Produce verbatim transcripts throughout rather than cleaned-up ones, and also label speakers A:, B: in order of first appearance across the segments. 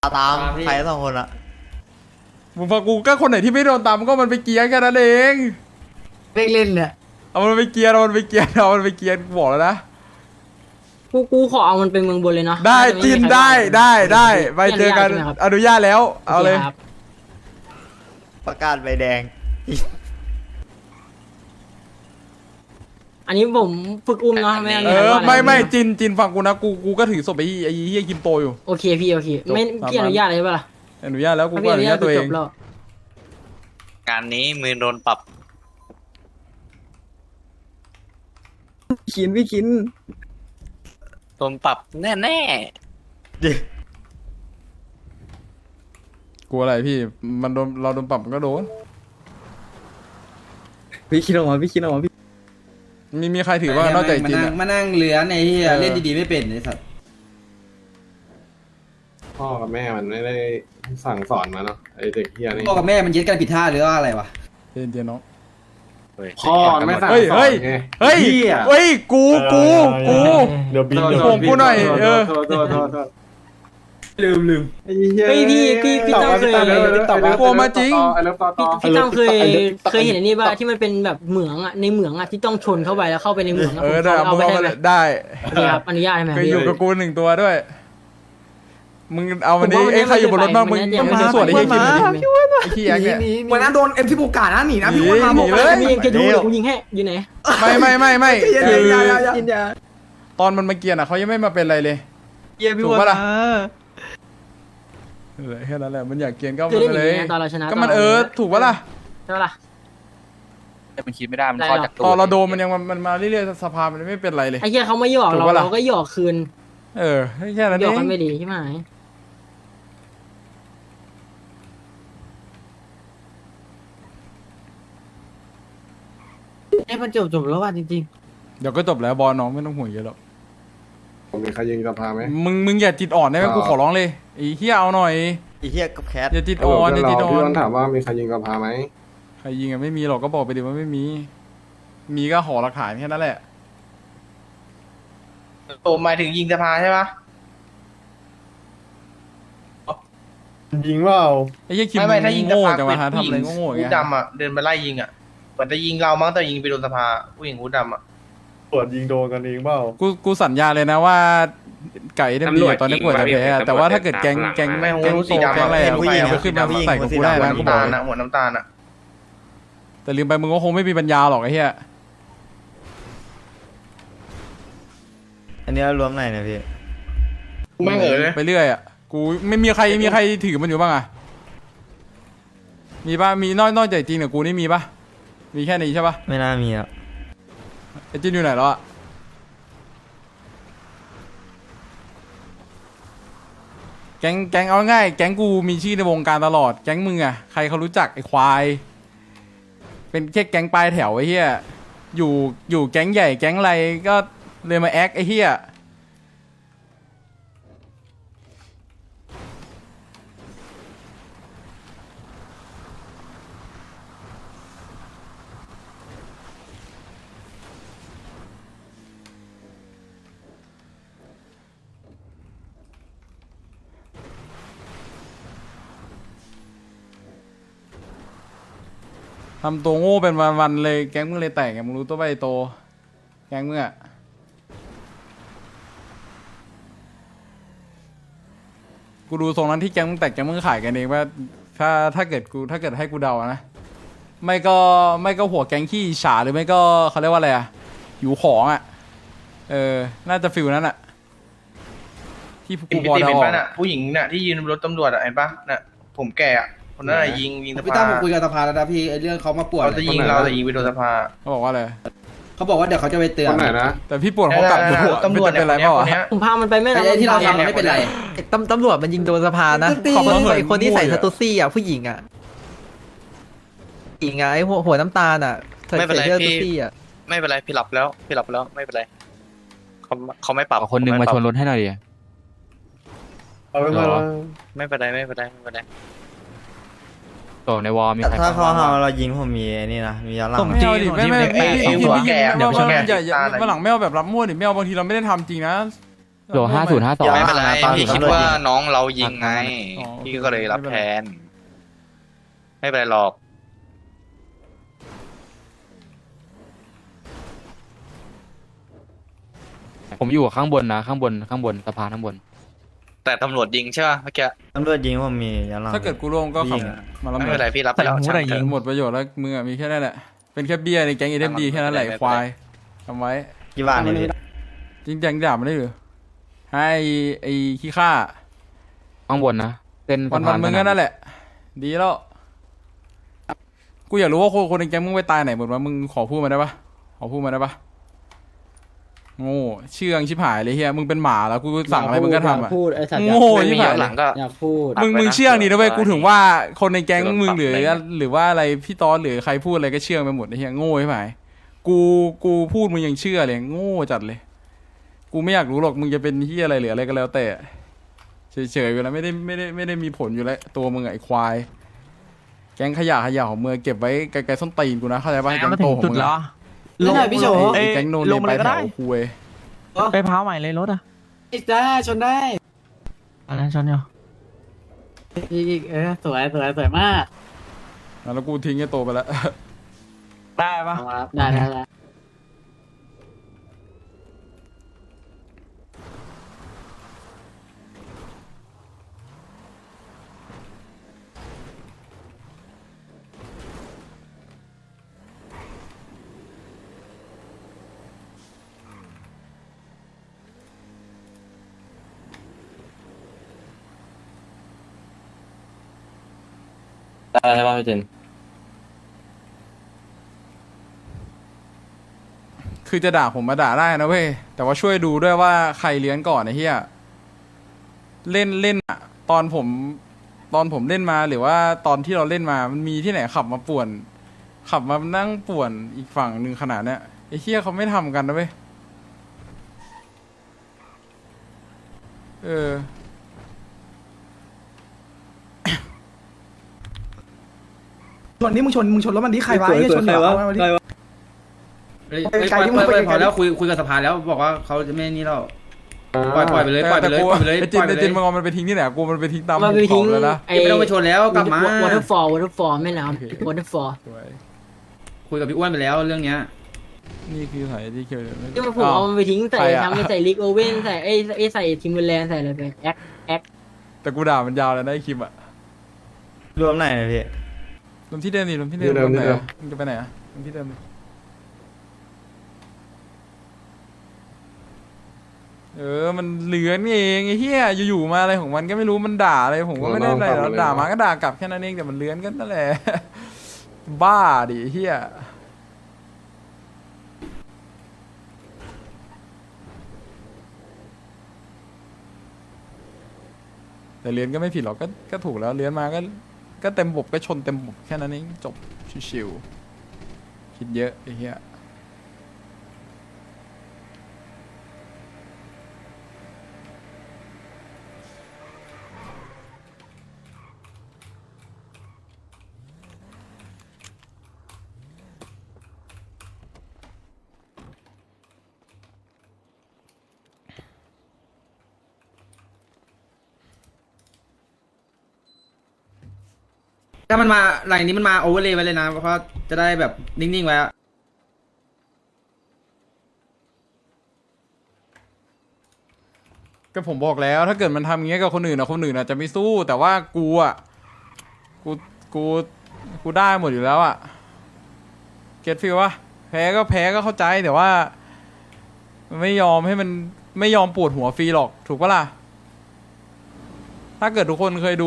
A: ตามใครสองคนอะ
B: มึงฟังกูก็คนไหนที่ไม่โดนตามก็มันไปเกียร์แค่นั้นเอง
C: เล่นเล่นเนี่ย
B: เอามันไปเกียร์เอามันไปเกียร์เอามันไปเกียร์กูบอกแล้วนะ
D: กูกูขอเอามันเป็นเมืองบนเลยเนาะ
B: ได้จินได้ได้ได้ไปเจอกันอนุญาตแล้วเอาเลย
A: ประกาศใบแดง
D: อันนี้ผมฝึกอุ้มเนาะไม่
B: เออไม่ไม่จินจินฟังกูนะกูกูก็ถือศพไอ้ไอ้เฮียคิมโตอยู่
D: โอเคพี่โอเคไม่พี่อนุญาตเลยป่ะล่ะ
B: อนุญาตแล้วกูก็อนุญาตตัวเอง
E: การนี้มือโดนปรับ
C: ขินพี่ขิน
E: โดนปรับแน่แน่
B: กลัวอะไรพี่มันโดนเราโดนปรับมันก็โดน
C: พี่คิดออกมาพี่คิดออกมาพี่
B: มีมีใครถือว่านอกจากจิน
F: มานั่งเหลือในที่เล่นดีๆไม่เป็นไอ้สัตว์
G: พ่อกับแม่มันไม่ได้สั่งสอนมาเนาะไอเด็กเฮียนี่
F: พ่อกับแม่มันเย็ดกันผิดท่าหรือว่าอะไรวะ
B: เจนเจนน้อง
G: พ่อไม่สั่ง
B: เฮ้ย
G: สอ
B: เฮ้ย
G: นไง
B: เฮ้ยเฮ้ยกูกูกู
G: เดี๋ยวบิน
B: ผมกูหน่อยเออ
G: โทษโทษโทษโทษ
F: ลืมลืม
G: ไอ้เหี้ย
D: เฮ้ยพี่พี่พี่ตั้มเคย
B: กลัวมาจริง
G: ไอ้เลิฟต่อต่อ
D: พี่ตั้มเคยเคยเห็นอันนี้ป่ะที่มันเป็นแบบเหมืองอ่ะในเหมืองอ่ะที่ต้องชนเข้าไปแล้วเข้าไปในเหมือง
B: เออได้
D: เอา
B: มึง
D: ไป
B: เอา
D: ได้
B: มา
D: ไหม
B: ได้
D: โอเคครับอนุญาตใช่ไหม
B: เคยอยู่กับกูหนึ่งตัวด้วยมึงเอาวันนี้ไอ้ใครอยู่บนรถบ้างมึงมึงส่วนไอ้เฮียคิมไอ้ขี้แอ๊กเนี่ย
F: วันนั้นโดนเอ็มสิบหกกาดนะหนีนะ
B: หนี
F: พี่วันมา
B: หนี
F: บอก
B: เลย
D: มีเอ็มเคทูกูยิงให้อยู่ไหน
B: ไม่ไม่ไม่ไม่คือ
C: กินยา
B: ตอนมันมาเกียร์อ่ะเขายังไม่มาเป็นอะไรเลย
C: เยี่ยพี่
B: ถูก
C: วัน
B: ปะล่ะ
C: มา
B: เออแค่นั้นแหละมันอยากเกียร์ก็
D: คือ
B: มัน
D: ได้ห
B: เล
D: นี
B: ย
D: ไงตอนเราชนะ
B: ก็มันเออถูกปะล่ะ
D: ใช่ปะล่ะ
E: แต่มันคิดไม่ได้มัน
D: ได้
E: คอย
D: หรอ
E: จาก
B: ตอนเราโดนมันยังมันมาเรื่อยๆสภามันไม่เป็นไรเลย
D: ไอ้เหี้ยเขาไม่หยอก
B: ถู
D: เรา
B: กปะล่ะ
D: เราก็หยอกคืน
B: เออแค่นั้น
D: หย
B: เอ
D: อกกัน
B: ง
D: ไม่ดีใช่ไหม
C: เอ้มันจบจบแล้วว่ะจริง
B: เดี๋ยวก็จบแล้วบอลน้องไม่ต้องห่วงเยอะหรอก
G: ผมมีใครยิงสภาไหม
B: มึงมึงอย่าจิตอ่อนได้ไหม
G: อ่า
B: กูขอร้องเลยไอ้เฮียเอาหน่อย
A: ไอ้เหี้ยกับแคท
B: อย่าจิตอ่อนอย่าจิตอ่อ
G: พี่
B: น
G: วันถามว่ามีใครยิงสภาไหม
B: ใครยิงอะไม่มีหรอกก็บอกไปดิว่าไม่มี มีก็ขอหลักฐานแค่นั้นแหละ
H: โอ้หมายถึงยิงสภาใช่ปะ
G: ยิงเปล่า
B: ไอ้เฮียคิม
H: ไม่ไม่ถ้ายิงส
B: โง่
H: ภา
B: จังวะฮะ
H: ผู้
B: ทำ
H: หญิ
B: อะไร
H: ง
B: โง่ๆอย่าง
H: หู
B: เงี้ย
H: ดำอ่ะเดินมาไล่ยิงอ่ะเหมือนจะยิงเรามั้งแต่ยิงไปโดนสภาผู้หญิงหูดำอ่ะ
G: ตรวจยิงโดนกันเองเปล่า
B: กูกูสัญญาเลยนะว่าไก่เดมดีตอนนี้กวดจะแพ้อะแต่ว่าถ้าเกิดแก๊งแก๊ง
H: ไม่หู
B: แก๊ง
H: รู้
B: โต
H: สีดำ
B: แก๊งอะไรอะ
H: ผู้
B: ผู้
H: ห
B: ห
H: ญิ
B: ญิ
H: ง
B: ง
H: หู
B: ก็ขึ้นมา
H: สีดำ
B: ใส่กับกูได้
H: หัว
B: นะกูบ
H: น้ำ
B: อก
H: ตาล
B: เลย
H: อ่ะหัวน้ำตาลอ่ะ
B: แต่ลืมไปมึงก็คงไม่มีปัญญาหรอกไอ้เหี้ย
A: อันนี้รวมไหนเนี่ยพี่
H: ไม่เหอะเลย
B: ไปเรื่อยอ่ะกูไม่มีใครมีใครถือมันอยู่บ้างอ่ะมีป่ะมีนอกนอกจากจีนกับกูนี่มีป่ะมีแค่นี้ใช่ป่ะ
A: ไม่น่ามีอ่ะ
B: ไอ้จีนอยู่ไหนแล้วอ่ะแก๊งแก๊งเอาง่ายแก๊งกูมีชื่อในวงการตลอดแก๊งมึงอ่ะใครเขารู้จักไอ้ควายเป็นแค่แก๊งปลายแถวไอ้เหี้ยอยู่อยู่แก๊งใหญ่แก๊งอะไรก็เลยมาแอคไอ้เหี้ยทำตัวโง่เป็นวันๆเลยแก๊งมึงเลยแตกไงมึงรู้ตัวไปะไอ้โตแก๊งมึงอะกูดูทรงนั้นที่แก๊งมึงแตกแก๊งมึงขายกันเองว่าถ้าถ้าเกิดกูถ้าเกิดให้กูเดานะไม่ก็ไม่ก็หัวแก๊งขี้ฉาหรือไม่ก็เขาเรียกว่าอะไรอะอยู่ของอะเออน่าจะฟิลนั้นอะที่
H: เห็
B: กู
H: น
B: พอ
H: พี่
B: เดา
H: เห็น
B: ออ
H: ป่ะ
B: ก
H: น่ะผู้หญิงน่ะที่ยืนบนรถตำรวจอ่ะเห็นป่ะน่ะผมแก่อ่ะคนนั้นน่ะยิงยิงส
F: พี่
H: ภา
F: ตั้มผมคุยกับสภาแล้วนะพี่ไอ้เรื่องเขามาปวด
H: เขาจะยิงเราแต่ยิงไปโดนสภา
B: เขาบอกว่าอะไร
F: เขาบอกว่าเดี๋ยวเขาจะไปเตือ
G: คน นไหนนะ
B: แต่พี่ปวดเขากลับดูอะ
H: ตำรวจ
B: ไม่
H: เนี่ย
B: เป็นไรเปล่า
H: คน
B: อะ
H: เนี้ย
D: ผมพามันไปแม่
F: ไอ้
D: น้ำ
F: ที่เราทำมันไม่เป็นไร
C: ๆตำตำรวจมันยิงโดนสภานะ
F: ตี
C: ขอบคุณ
B: เหมือน
C: ไอ้คนที่ใส่
B: มวย
C: ส
B: อะ
C: ตูซี่อ่ะผู้หญิงอ่ะหญิงอ่ะไอ้หัวหัวน้ำตาลอ่ะใส่
E: ไม่เป็นไร
C: เสื้อส
E: พี่
C: ตูซี่อ่ะ
E: ไม่เป็นไรพี่หลับแล้วพี่หลับแล้วไม่เป็นไรเขาเขาไม่ปรับ
I: คนนึงมาชนรถให้หน่อยดิ
G: เอาเป็นว่า
E: ไม่เป็นไรไม่เป็นไรไม่เป็นไร
I: ตกในวอลมีใคร
A: ถ้าเขา
I: ฟังบ้าง
A: เอาเรายิงผมมีไอ้นี่นะมีย้อนหลัง
I: ส่ง
A: ไหม
B: ไม่เอาดิไม่ไม่
I: ผม
B: ไม่
I: จริง
B: พี่
I: ผม
B: พี่
H: แก่
B: พี่
H: เดี๋ยว
B: ไม่เอา
H: แก่
B: อย่าอย่า
H: ตาไหน
B: วันหลังไม่เอาแบบรับมั่วดิไม่เอาบางทีเราไม่ได้ทำจริงนะ
I: โหลห้าศูนย์ห้าสอง
E: ไม่เป็นไร
A: ตอน
E: พี่คิด
A: ตำรวจ
E: ว่า
A: ยิง
E: น้องเรายิงไง
B: อ๋อโอเค
E: พี่ก็เลยรับ
B: ไม่เป็น
E: แท
B: ไร
E: น ไม่เป็นไรหรอก
I: ผมอยู่ข้างบนนะข้างบนข้างบนสะพานข้างบน
E: แต่ตำรวจยิงใช่ป่ะเมื่อกี้
A: ตำรวจยิงผมมีย้อนหลัง
B: ถ้าเกิดกูร่วงก็ขับ
A: ยิงอะ
B: มาแล้ว
E: ไม่
B: หม
E: เป็
B: ด
E: นไรพี่รับไปแล้ว
C: แต่หู
E: ช่าง
C: แต่
E: เถ
C: ยิง
E: อะ
B: หมดประโยชน์แล้วมึงอะมีแค่นั้นแหละเป็นแค่เบี้ยในแก๊งเอเดมดีแค่นั้นแหละไอ้ควายทำไว้
A: กี่บาทเนี่ยพี่
B: จริงจังด่ามันได้หรือให้ไอ้ขี้ข้า
I: ข้างบนนะเส้น
B: วั
I: สะ
B: น
I: พา
B: วัน นมึงก็นั่นแหละ ดีแล้ว กูอยากรู้ว่าคนคนในแก๊งมึงไปตายไหนหมดวะมึงขอพูดมาได้ปะขอพูดมาได้ปะโง่เชื่องชิบหายเลยเฮียมึงเป็นหมาแล้วกูสั่งอะไรมึงก็ทำอ่ะ
D: พูดไอ้สัตว์
B: โง่
E: ไม่
B: ชิ
E: มี
B: บหา
E: ย้อย นหลังก็
D: อยากพูด
E: ตัด
B: มึง
E: ไว้นะ
B: มึงเชื่องดีนะเว้ย
E: เผื่อ
B: กูถึงว่าคนในแก๊ง
E: จะโดน
B: มึง
E: ปรับ
B: หรือ
E: อะไรเงี้ย
B: หรือว่าอะไรพี่ตอนหรือใครพูดอะไรก็เชื่องไปหมดไอ้เฮียโง่ใช่ไหมกูกูพูดมึงยังเชื่อเลยโง่จัดเลย กูไม่อยากรู้หรอกมึงจะเป็นเฮียอะไรหรืออะไรก็แล้วแต่เฉยๆอยู่แล้วไม่ได้ไม่ได้ไม่ได้มีผลอยู่แล้วตัวมึงอะไอ้ควาย แก๊งขยะขยะของมึงเก็บไว้ไกลๆส้นตีนกูนะเข้าใจป่ะแก๊งโตของมึงอะ
C: ลงพี่โฉ
B: ไอ้แก๊งโนนเนี่ยไปแถวคุย
C: ไปพาวใหม่เลยรถอ่ะ
F: ได้ชนได้
C: อันนั้นชนอยู่
D: อีกเออสวยสวยสวยมาก
B: แล้วกูทิ้งไอ้โตไปแล้ว
C: ได้ปะ
D: ได้ได้ได้
I: ได้ใช่ป่ะพี่เจน
B: คือจะด่าผมมาด่าได้นะเว้ยแต่ว่าช่วยดูด้วยว่าใครเลี้ยงก่อนไอ้เหี้ยเล่นเล่นอะตอนผมตอนผมเล่นมาหรือว่าตอนที่เราเล่นมามันมีที่ไหนขับมาป่วน ขับมานั่งป่วนอีกฝั่งหนึ่งขนาดเนี้ยไอ้เหี้ยเขาไม่ทำกันนะเว้ยเออ
F: ชนนี่มึงชนมึงชนแล้วมันที่ใครวะไอ้ชนใครวะใครวะ
G: เฮ้ยปล่อยปล่อยปล่อยพอแล้วคุยคุยกับสภาแล้วบอกว่าเขาจะไม่นี่แล้วปล่อยปล่อยไปเลยปล่อยไปเลยปล่อยไปเลย
B: ไอ้
G: ป
B: จิ
G: ล่
B: น
G: อยไป
B: ไอ้
G: เล
B: จิน
G: ย
B: มึงเอามันไปทิ้งที่ไหนกูมันไปทิ้งตาม
D: มันไป
B: ภู
D: ทิ้ง
B: เขาแล้วนะ
D: ไอ้
G: ไม่ต้องไปชนแล้วกลับมาว
D: อเตอร์ฟอลวอเตอร์ฟอลแม่น้ำวอเตอร์ฟอล
B: สวย
G: คุยกับพี่อ้วนไปแล้วเรื่องเนี้ย
B: นี่คือสายที่เคียวเลย
D: ที่มันผมเอามันไปทิ้งใส่
B: ใครอะ
D: ทำไปใส่ลิกโอเว่นใส่ไอ้ไอ้ใส่ทิมเบอร์แลนด์ใส่อะไรไปแอคแอค
B: แต่กูด่ามันยาวเลยนะไอ้คลิปอะ
A: รวมไหนนะพี่
B: รวมที่เดิมดิรวมที่เดิม
G: ที่เดิม
B: รวไหน
G: ที่เดิม
B: อะมึงจะไปไหนอะรวมที่เดิมดิเออมันเหลือนเองไอ้เหี้ยอยู่ๆมาอะไรของมันก็ไม่รู้มันด่าอะไรผมก็ไม่ได้อะไรหรอกด่ามาก็ด่ากลับแค่นั้นเองแต่มันเลื้อนกันนั่นแหละ บ้าดิไอ้เหี้ยแต่เลื้อนก็ไม่ผิดหรอกก็ก็ถูกแล้วเลื้อนมาก็ก็เต็มบบก็ชนเต็มบบแค่นั้นเองจบชิวๆคิดเยอะไอ้เหี้ย
F: ถ้ามันมาไหลนี้มันมาโอเวอร์เลยไว้เลยนะเพราะจะได้แบบนิ่งๆไว้อะ
B: ก็ผมบอกแล้วถ้าเกิดมันทำอย่างเงี้ยกับคนอื่นอะคนอื่นอาจจะไม่สู้แต่ว่ากูอะกูกูกูได้หมดอยู่แล้วอะเก็ตฟีลวะแพ้ก็แพ้ก็เข้าใจแต่ว่ามันไม่ยอมให้มันไม่ยอมปวดหัวฟรีหรอกถูกปะล่ะถ้าเกิดทุกคนเคยดู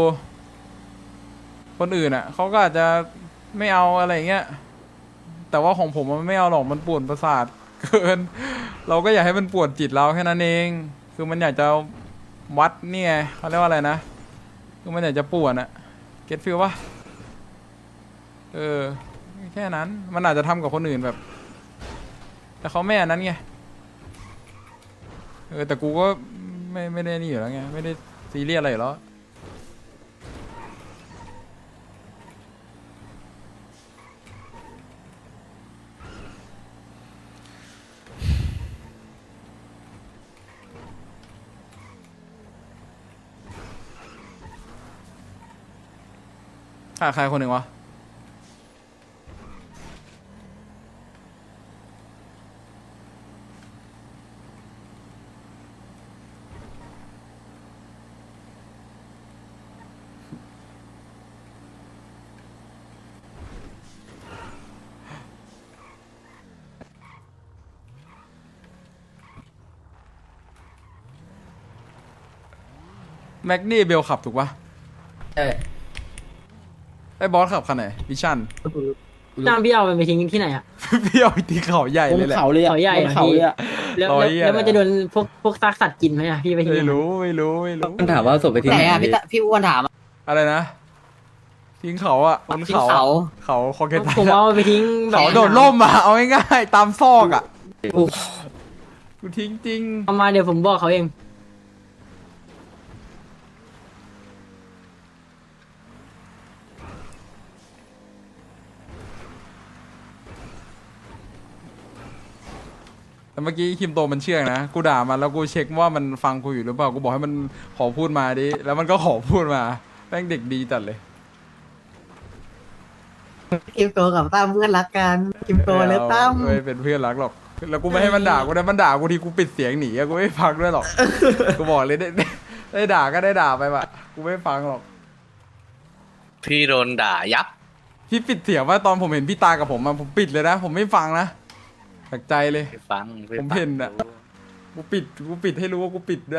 B: คนอื่นอะเขาก็อาจจะไม่เอาอะไรอย่างเงี้ยแต่ว่าของผมมันไม่เอาหรอกมันปวดประสาทเกิน เราก็อยากให้มันปวดจิตเราแค่นั้นเองคือมันอยากจะวัดเนี่ยเขาเรียกว่าอะไรนะคือมันอยากจะปวดอะเก็ตฟีลปะเออแค่นั้นมันอาจจะทำกับคนอื่นแบบ แต่เขาไม่อันนั้นไงเออแต่กูก็ไม่ไม่ได้นี่อยู่แล้วไงไม่ได้ซีเรียสอะไรอยู่แล้วขาดใครคนหนึ่งวะแม็กนี่เบลขับถูกปะ
F: ใช่
B: ไอ้บอสขับคันไหนวิชั่น
D: จ้างพี่เอามันไปทิ้งที่ไหนอะ
B: พี่เอาไปตีเขาใหญ่เลยแหละ
D: เขาใหญ่อะพี่แล้ว
B: ร้อย
D: แล้ว
B: เหี้ย
D: แล้วมันจะโดนพวกพวกซากสัตว์กินไหมอะพี่ไปทิ้ง
B: ไม่รู้ไม่รู้ไม่รู้
C: มันถามว่าศพไปที่ไหนอะพี่พี่อ้วนถาม
B: อะไรนะทิ้งเขาอะบนเขาอะเขาคอเคตา
D: ผมเอาไปทิ้งแบบ
B: เขาโดดร่มอะเอาง่ายๆตามซอกอะกูทิ้งจริง
D: เอามาเดี๋ยวผมบอกเขาเอง
B: แต่เมื่อกี้คิมโตมันเชื่องนะกูด่ามันแล้วกูเช็คว่ามันฟังกูอยู่หรือเปล่ากูบอกให้มันขอพูดมาดิแล้วมันก็ขอพูดมาแม่งเด็กดีจัดเลย
C: คิมโตกับตั้มเพื่อนรักกันคิมโตเลยตั้ม
B: ไม่เป็นเพื่อนรักหรอกแล้วกูไม่ให้มันด่ากูนะมันด่ากูทีกูปิดเสียงหนีอะกูไม่ฟังด้วยหรอกกูบอกเลยได้ได้ได้ด่าก็ได้ด่าไปว่ะกูไม่ฟังหรอก
E: พี่โดนด่ายับ
B: พี่ปิดเสียงว่าตอนผมเห็นพี่ตากับผมอะผมปิดเลยนะผมไม่ฟังนะจากใจเลย
E: ไปฟังไป
B: ผม
E: ฟัง
B: เห็นอะ กูปิดกูปิดให้รู้ว่ากูปิดด้วย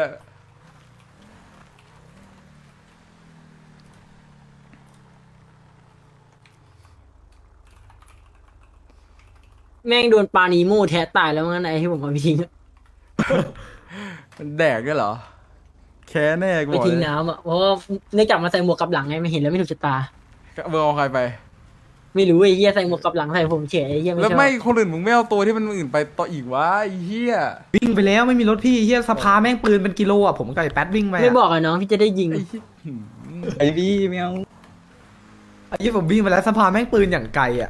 D: แม่งโดนปลานีโม่แทะตายแล้วงั้นไอ้ที่ผมเอาไปทิ้งอะ
B: มันแดกด้วยเหรอ แค่แน่กู
D: ไป
B: บอก
D: ทิ้ง
B: เลย
D: น้ำอะเพราะว่าเนื่องจากมาใส่หมวกกับหลังไงไม่เห็นแล้วไม่ถูกชะตา
B: เบอร์เอาใครไป
D: ไม่รู้ไอ้เหี้ยใส่หมวกกับหลังใส่ผมเฉยไอ้เหี้ยไม่
B: แล้ว
D: ชอบ
B: ไม่คนอื่นมึงไม่เอาตัวที่มันอื่นไปต่ออีกวะไอ้เหี้ย
C: วิ่งไปแล้วไม่มีรถพี่เฮียสภาแม่งปืนเป็นกิโลอ่ะผมกับไอ้แป๊ดวิ่งไป
D: ไม่บอกอะน้องพี่จะได้ยิง
B: ไอ้เหี้ยหืม
C: ไอ้พี่ไม่เอาไอ้ยี่ผมวิ่งไปแล้วสภาแม่งปืนอย่างไกลอ่ะ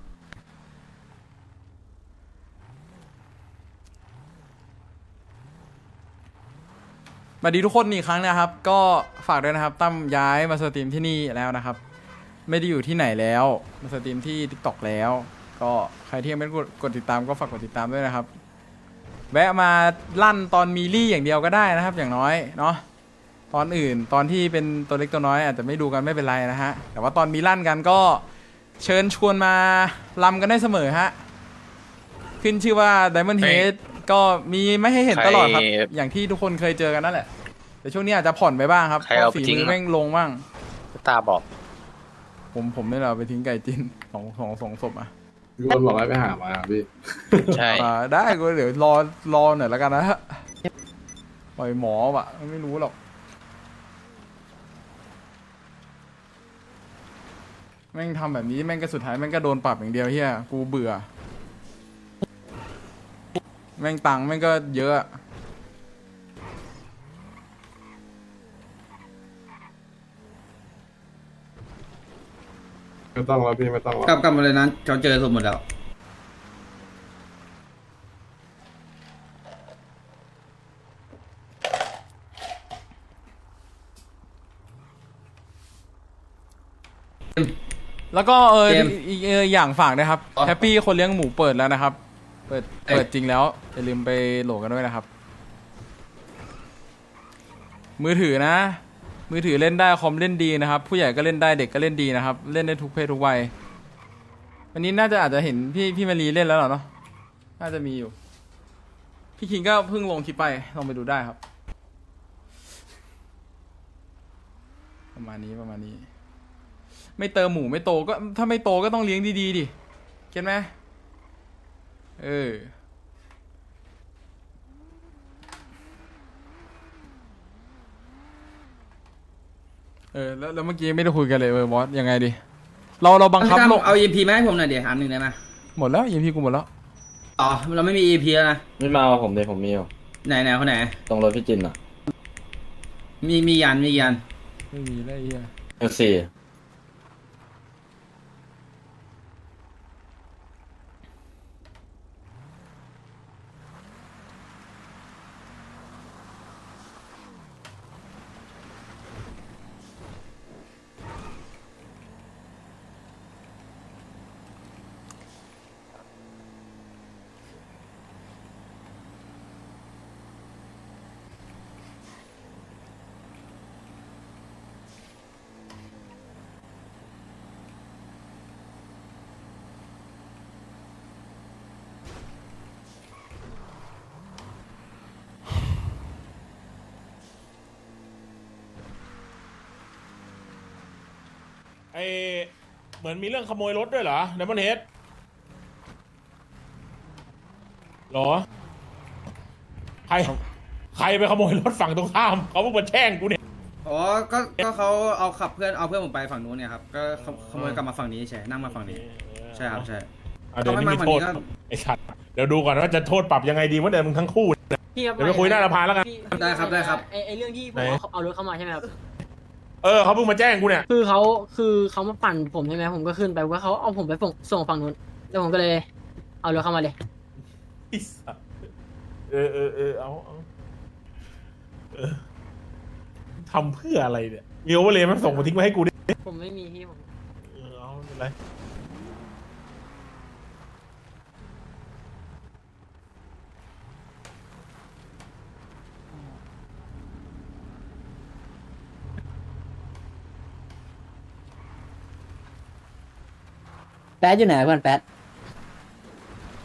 B: สวัสดีทุกคนอีกครั้งนะครับ ก็ฝากด้วยนะครับตั้มย้ายมาสตรีมที่นี่แล้วนะครับ ไม่ได้อยู่ที่ไหนแล้วมาสตรีมที่ TikTok แล้ว ก็ใครที่ยังไม่กดกดติดตามก็ฝากกดติดตามด้วยนะครับ แวะมาลั่นตอนมีลี่อย่างเดียวก็ได้นะครับ อย่างน้อยเนาะตอนอื่นตอนที่เป็นตัวเล็กตัวน้อยอาจจะไม่ดูกันไม่เป็นไรนะฮะแต่ว่าตอนมีลั่นกันก็เชิญชวนมาลำกันได้เสมอฮะขึ้นชื่อว่า Diamond Head ก็มีไม่ให้เห็นตลอดครับ อย่างที่ทุกคนเคยเจอกันนั่นแหละแต่ช่วงนี้อาจจะผ่อนไปบ้างครับ
E: ใคร
B: เพ
E: เอา
B: ราะ
E: ไป
B: ฝี
E: ทิ้ง
B: มือ
E: อะ
B: แม่งลงบ้าง
E: ตาบอก
B: ผมผมนี่แหละเอาไปทิ้งไก่จินสองสองสองศพอ่ะ
J: มีคนบอกให้ไปหามาพี่
E: ใช่
B: อ่าได้ก็เดี๋ยวรอรอหน่อยแล้วกันนะฮะปล่อยหมอวะไม่รู้หรอกแม่งทำแบบนี้แม่งก็สุดท้ายแม่งก็โดนปรับอย่างเดียวเฮียกูเบื่อ แม่งตังค์แม่งก็เยอะ
J: ไม่ต้องแล้วพี่ไม่ต้องแล้ว
F: กลับกลับมาเลยนะเขาเจอสมหมดแล้ว
B: แล้วก็เออ
F: เกม
B: อีกเอออย่างฝากนะครับ
F: อ๋อ
B: แฮปปี้คนเลี้ยงหมูเปิดแล้วนะครับ เปิดเปิดจริงแล้วอย่าลืมไปโหลดกันด้วยนะครับ มือถือนะ มือถือเล่นได้คอมเล่นดีนะครับ ผู้ใหญ่ก็เล่นได้เด็กก็เล่นดีนะครับ เล่นได้ทุกเพศทุกวัยวันนี้น่าจะอาจจะเห็นพี่พี่มารีเล่นแล้วเหรอเนาะน่าจะมีอยู่ พี่คิงก็เพิ่งลงคลิปไปลองไปดูได้ครับ ประมาณนี้ประมาณนี้ ไม่เติมหมูไม่โตก็ถ้าไม่โตก็ต้องเลี้ยงดีๆดิเก็ตไหมเออเออแล้วแล้วเมื่อกี้ไม่ได้คุยกันเลยเออบอสยังไงดิเราเราบังคับ
F: พี่ตั้ม
B: ลง
F: เอา อี พี มาให้ผมหน่อยเดี๋ยวอันหนึ่งได้ไหม
B: หมดแล้วยังพี่กูหมดแล้ว
F: อ๋อเราไม่มี อี พี แล้วนะ
I: ไม่มาเอาผมเลยผมมีอยู่
F: ไหนไหนคนไหน
I: ตรงรถพี่จินอ่ะ
F: มีมียันมียัน
B: ไม่มีแล้วไอ้เหี้ย
I: เอลซี
K: ไอเหมือนมีเรื่องขโมยรถด้วยเหรอไดมอนเฮดหรอใครใครไปขโมยรถฝั่งตรงข้ามเขาเพิ่งมาแช่งกูเนี่ย
F: อ๋อก็ก็เขาเอาขับเพื่อนเอาเพื่อนผมไปฝั่งนู้นเนี่ยครับก็ขขโมยกลับมาฝั่งนี้ใช่นั่งมาฝั่งนี้ใช่ครับใช่
K: อ่ะเดี๋ยวนี้มี
F: เขาไม่มา
K: โทษ
F: ฝั่งนี้ก็
K: ไอ้ชัดเดี๋ยวดูก่อนว่าจะโทษปรับยังไงดีว่าเดี๋ยวมึงทั้งคู่
D: พี่ครับ
K: เดี๋ยวไปคุยหน้าสภาแล้วกัน
D: พี่
F: ได้ครับได้ครับ
D: ไอไอเรื่องที่ผม
K: ไหน
D: เอาเอารถเข้ามาใช่ไหมครับ
K: เออเขาเพิ่งมาแจ้งกูเนี่ย
D: คือเขาคือเขามาปั่นผมใช่ไหมผมก็ขึ้นไปว่าเขาเอาผมไปส่งส่งฝั่งนู้นแล้วผมก็เลยเอารถเข้ามาเลย
K: ไอ้สัสเออเออเออเอาเอาเออทำเพื่ออะไรเนี่ยมีโอเวอร์เลยมันส่งมาทิ้งไว้ให้กูดิ
D: ผมไม่มีพี่ผม
K: เออเอาไม่เป็นไร
C: แป๊ดอยู่ไหนเพื่อนแป๊ด